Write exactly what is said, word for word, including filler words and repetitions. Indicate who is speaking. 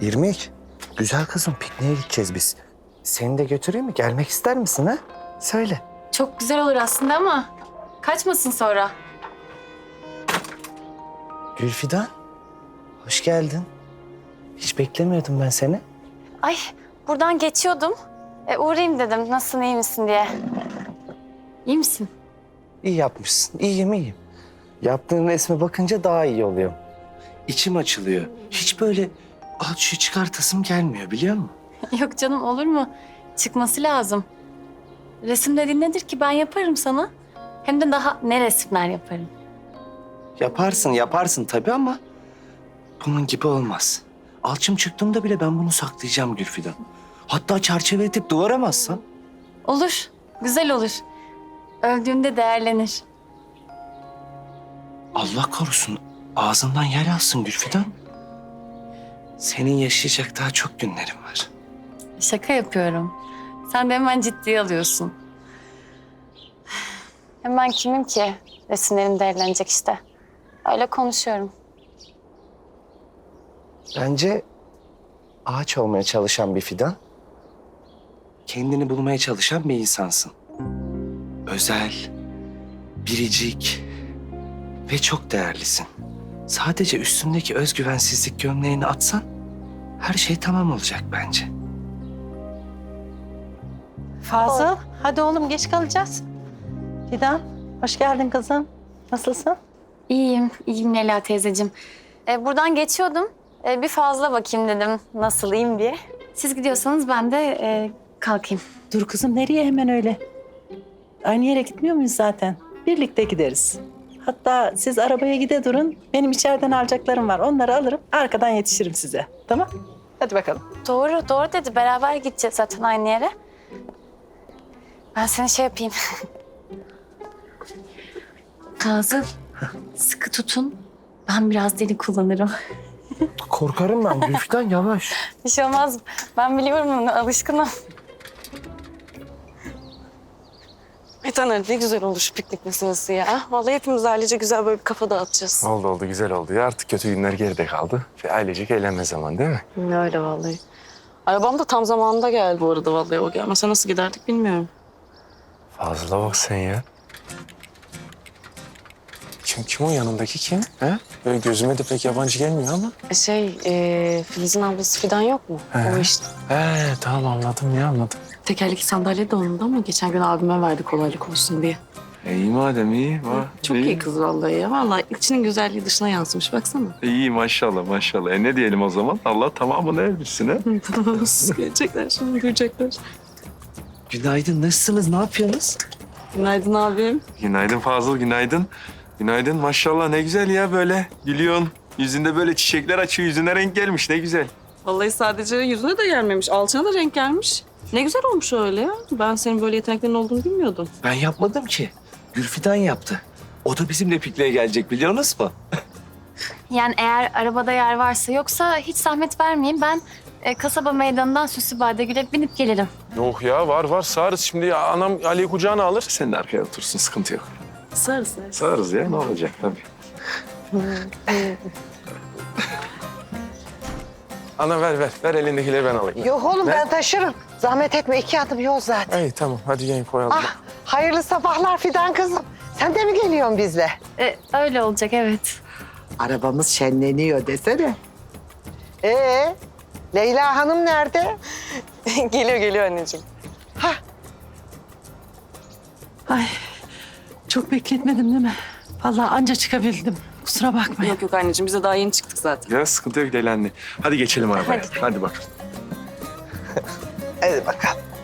Speaker 1: İrmik, güzel kızım pikniğe gideceğiz biz. Seni de götüreyim mi? Gelmek ister misin ha? Söyle.
Speaker 2: Çok güzel olur aslında ama kaçmasın sonra.
Speaker 1: Gülfidan, hoş geldin. Hiç beklemiyordum ben seni.
Speaker 2: Ay buradan geçiyordum. E, uğrayayım dedim nasılsın iyi misin diye. İyi misin?
Speaker 1: İyi yapmışsın. İyiyim, iyiyim. Yaptığın resme bakınca daha iyi oluyor. İçim açılıyor. Hiç böyle al şu çıkartasım gelmiyor biliyor musun?
Speaker 2: Yok canım olur mu? Çıkması lazım. Resim dediğin nedir ki ben yaparım sana. Hem de daha ne resimler yaparım.
Speaker 1: Yaparsın, yaparsın tabii ama bunun gibi olmaz. Alçım çıktığımda bile ben bunu saklayacağım Gülfidan. Hatta çerçeve edip duvara mı assam?
Speaker 2: Olur, güzel olur. Öldüğümde değerlenir.
Speaker 1: Allah korusun ağzından yel alsın Gülfidan. Senin yaşayacak daha çok günlerin var.
Speaker 2: Şaka yapıyorum. Sen de hemen ciddiye alıyorsun. Hem ben kimim ki? Resimlerim değerlenecek işte. Öyle konuşuyorum.
Speaker 1: Bence ağaç olmaya çalışan bir fidan, kendini bulmaya çalışan bir insansın. Özel, biricik ve çok değerlisin. Sadece üstündeki özgüvensizlik gömleğini atsan her şey tamam olacak bence.
Speaker 3: Fazıl, hadi oğlum geç kalacağız. Fidan, hoş geldin kızım. Nasılsın?
Speaker 2: İyiyim, iyiyim Leyla teyzeciğim. Ee, buradan geçiyordum. Ee, bir fazla bakayım dedim nasıl iyiyim diye. Siz gidiyorsanız ben de e, kalkayım.
Speaker 3: Dur kızım, nereye hemen öyle? Aynı yere gitmiyor muyuz zaten? Birlikte gideriz. Hatta siz arabaya gide durun. Benim içeriden alacaklarım var. Onları alırım, arkadan yetişirim size. Tamam? Hadi bakalım.
Speaker 2: Doğru, doğru dedi. Beraber gideceğiz zaten aynı yere. Ben seni şey yapayım. Kazım, sıkı tutun. Ben biraz deli kullanırım.
Speaker 1: Korkarım ben Gülfidan yavaş.
Speaker 2: Bir şey olmaz. Ben biliyorum bunu, alışkınım.
Speaker 4: Bir tane ne güzel olur şu piknik meselesi ya. Vallahi hepimiz ailece güzel böyle bir kafa dağıtacağız.
Speaker 5: Oldu oldu güzel oldu ya artık kötü günler geride kaldı ve ailecek eğlenme zamanı değil mi?
Speaker 4: Öyle vallahi. Arabam da tam zamanında geldi bu arada vallahi. O gelmese nasıl giderdik bilmiyorum.
Speaker 5: Fazla bak sen ya. Kim kim o yanındaki kim? He? Böyle gözüme de pek yabancı gelmiyor ama.
Speaker 4: E Şey, e, Filiz'in ablası Fidan yok mu?
Speaker 5: He.
Speaker 4: O işte.
Speaker 5: He tamam anladım ya anladım.
Speaker 4: Tekerlekli sandalye de onun da ama geçen gün abime verdi kolaylık olsun diye.
Speaker 5: E, iyi madem iyi. Va,
Speaker 4: Çok iyi kız vallahi ya. Vallahi içinin güzelliği dışına yansımış baksana.
Speaker 5: İyi maşallah maşallah. E ne diyelim o zaman? Allah tamamını erdirsin ha.
Speaker 4: Gelecekler şimdi duyacaklar.
Speaker 1: Günaydın, nasılsınız, ne yapıyorsunuz?
Speaker 4: Günaydın abim.
Speaker 5: Günaydın Fazıl günaydın. Günaydın maşallah ne güzel ya böyle gülüyorsun. Yüzünde böyle çiçekler açıyor yüzüne renk gelmiş ne güzel.
Speaker 4: Vallahi sadece yüzüne de gelmemiş, alçına da renk gelmiş. Ne güzel olmuş öyle ya. Ben senin böyle yeteneklerin olduğunu bilmiyordum.
Speaker 1: Ben yapmadım ki. Gülfidan yaptı. O da bizimle pikniğe gelecek biliyorsunuz mu?
Speaker 2: Yani eğer arabada yer varsa yoksa hiç zahmet vermeyin. Ben e, kasaba meydanından Süslübadegül'e binip gelirim.
Speaker 5: Yok ya var var sağırız şimdi ya, anam Ali'yi kucağına alır. Sen de arkaya otursun sıkıntı yok.
Speaker 4: Sarı sarı.
Speaker 5: Sağırız ya ne olacak tabii. Ana ver ver ver elindekileri ben alayım.
Speaker 6: Yok oğlum
Speaker 5: Ne?
Speaker 6: ben taşırım. Zahmet etme iki adım yol zaten.
Speaker 5: İyi tamam hadi gelin koyalım.
Speaker 6: Ah hayırlı sabahlar Fidan kızım. Sen de mi geliyorsun bizle?
Speaker 2: E, öyle olacak evet.
Speaker 6: Arabamız şenleniyor desene. Ee, Leyla Hanım nerede?
Speaker 4: Geliyor geliyor anneciğim.
Speaker 6: Hah,
Speaker 3: Ay, çok bekletmedim değil mi? Vallahi anca çıkabildim. Kusura bakmayın.
Speaker 4: Yok yok anneciğim biz de daha yeni çıktık zaten.
Speaker 5: Ya sıkıntı yok Leyla anne. Hadi geçelim arabaya. Hadi, hadi bakalım.
Speaker 6: hadi bakalım.